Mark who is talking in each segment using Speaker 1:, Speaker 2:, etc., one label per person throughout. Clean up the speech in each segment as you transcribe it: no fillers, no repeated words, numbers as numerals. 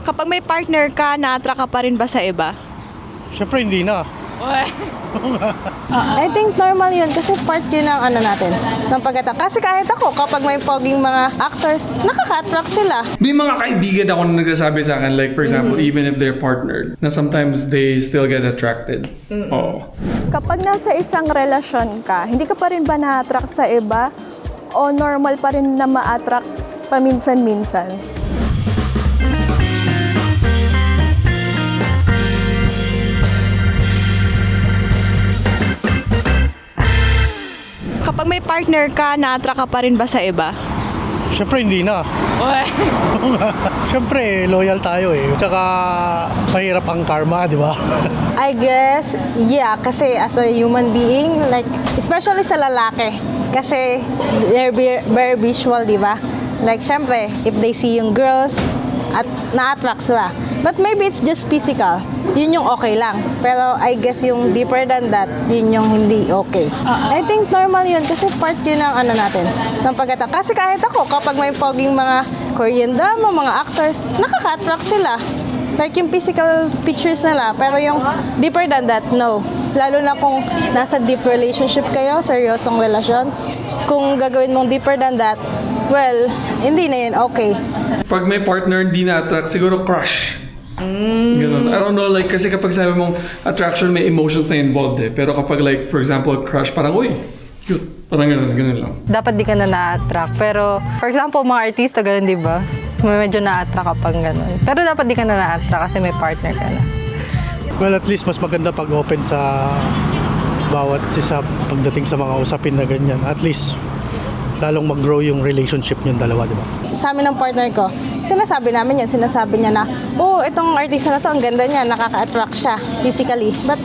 Speaker 1: Kapag may partner ka, na-attract ka pa rin ba sa iba?
Speaker 2: Siyempre hindi na.
Speaker 3: I think normal yun kasi part yun ng ano natin, ng pagkatao. Kasi kahit ako, kapag may poging mga actor, nakaka-attract sila.
Speaker 4: May mga kaibigan ako na nagsasabi sa akin, like for example, even if they're partnered, na sometimes they still get attracted. Oo.
Speaker 1: Kapag nasa isang relasyon ka, hindi ka pa rin ba na-attract sa iba? O normal pa rin na ma-attract paminsan-minsan? Kapag may partner ka, na-attract ka pa rin ba sa iba?
Speaker 2: Siyempre hindi na. Siyempre loyal tayo eh. Tsaka mahirap ang karma, di ba?
Speaker 3: I guess, yeah, kasi as a human being, like, especially sa lalaki, kasi they're very visual, di ba? Like, syempre, if they see yung girls, at na-attract sila. But maybe it's just physical. Yun yung okay lang. Pero I guess yung deeper than that, yun yung hindi okay. I think normal yun kasi part yun ng ano natin, ng pagkatao. Kasi kahit ako, kapag may poging mga Korean drama, mga actor, nakaka-attract sila. Like yung physical pictures nila, pero yung deeper than that, no. Lalo na kung nasa deep relationship kayo, seryosong relasyon, kung gagawin mong deeper than that, well, hindi na yun okay.
Speaker 4: Pag may partner hindi na-attract, siguro crush. Ganun. I don't know, like, kasi kapag sabi mong attraction, may emotions na involved eh. Pero kapag like, for example, crush, parang, uy, cute. Parang ganun lang.
Speaker 5: Dapat di ka na na-attract. Pero, for example, mga artista, ganun, di ba? Medyo na-attract ka pang ganun. Pero dapat di ka na na-attract kasi may partner ka na.
Speaker 2: Well, at least mas maganda pag open sa bawat isa pagdating sa mga usapin na ganyan. At least lalong mag-grow yung relationship niyong dalawa, di ba?
Speaker 3: Sa amin ng partner ko, sinasabi namin yun, sinasabi niya na, oh, itong artista na to, ang ganda niya, nakaka-attract siya physically. But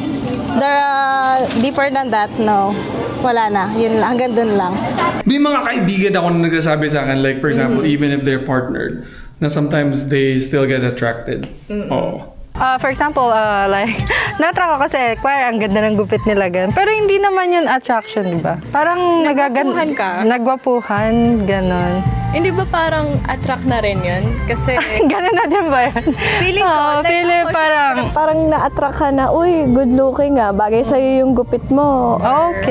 Speaker 3: deeper than that, no. Wala na. Yun lang, hanggang dun lang.
Speaker 4: May mga kaibigan ako na nagsasabi sa akin, like for example, even if they're partnered, na sometimes they still get attracted. Oo.
Speaker 5: For example, like, na-attract ako kasi, ang ganda ng gupit nila, ganun. Pero hindi naman yun attraction, di ba? Parang
Speaker 1: Nagwapuhan ka?
Speaker 5: Nagwapuhan, ganun.
Speaker 1: Hindi ba parang attract na rin yun? Kasi
Speaker 5: Ganun na din ba yan?
Speaker 1: feeling ko,
Speaker 5: Oo,
Speaker 1: like,
Speaker 5: feeling
Speaker 1: ako,
Speaker 5: parang,
Speaker 1: parang na-attract ka na, uy, good looking nga, bagay sa'yo yung gupit mo.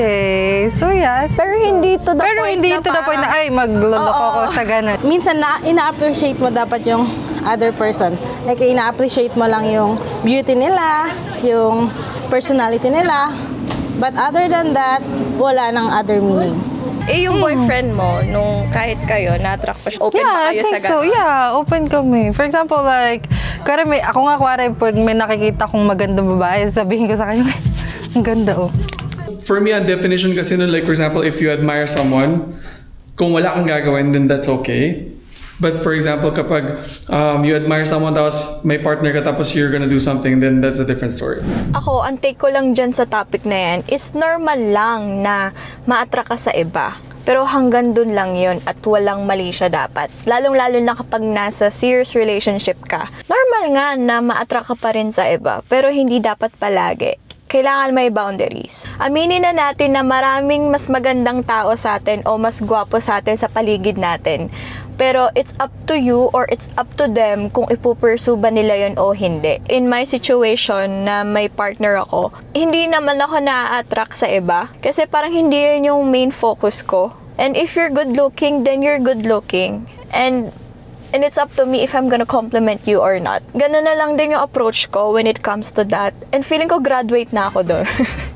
Speaker 5: okay. So, yeah.
Speaker 1: Pero hindi to the
Speaker 5: Pero
Speaker 1: point
Speaker 5: hindi
Speaker 1: na
Speaker 5: to the point na, ay, magloloko
Speaker 1: Oo.
Speaker 5: ako sa ganun.
Speaker 3: Minsan ina-appreciate mo dapat yung other person. Like, ina-appreciate mo lang yung beauty nila, yung personality nila. But other than that, wala nang other meaning.
Speaker 1: Eh, yung boyfriend mo, nung kahit kayo, na-attract pa siya. Open
Speaker 5: Yeah,
Speaker 1: pa
Speaker 5: I
Speaker 1: kayo
Speaker 5: think
Speaker 1: sa
Speaker 5: so.
Speaker 1: ganun?
Speaker 5: Yeah, open kami. For example, like, ako nga, pag may nakikita kong magandang babae, sabihin ko sa kanya, ang ganda, oh.
Speaker 4: For me, ang definition kasi nun, like for example, if you admire someone, kung wala kang gagawin, then that's okay. But for example, kapag you admire someone tapos may partner ka tapos you're gonna do something, then that's a different story.
Speaker 6: Ako, ang take ko lang dyan sa topic na yan is normal lang na ma-attract ka sa iba. Pero hanggang dun lang yun at walang mali siya dapat. Lalong-lalo na kapag nasa serious relationship ka. Normal nga na ma-attract ka pa rin sa iba, pero hindi dapat palagi. Kailangan may boundaries. Aminin na natin na maraming mas magandang tao sa atin o mas gwapo sa atin sa paligid natin. Pero it's up to you or it's up to them kung ipupursue ba nila yun o hindi. In my situation na may partner ako, hindi naman ako na-attract sa iba kasi parang hindi yun yung main focus ko. And if you're good looking, then you're good looking. And it's up to me if I'm gonna compliment you or not. Ganun na lang din yung approach ko when it comes to that. And feeling ko graduate na ako doon.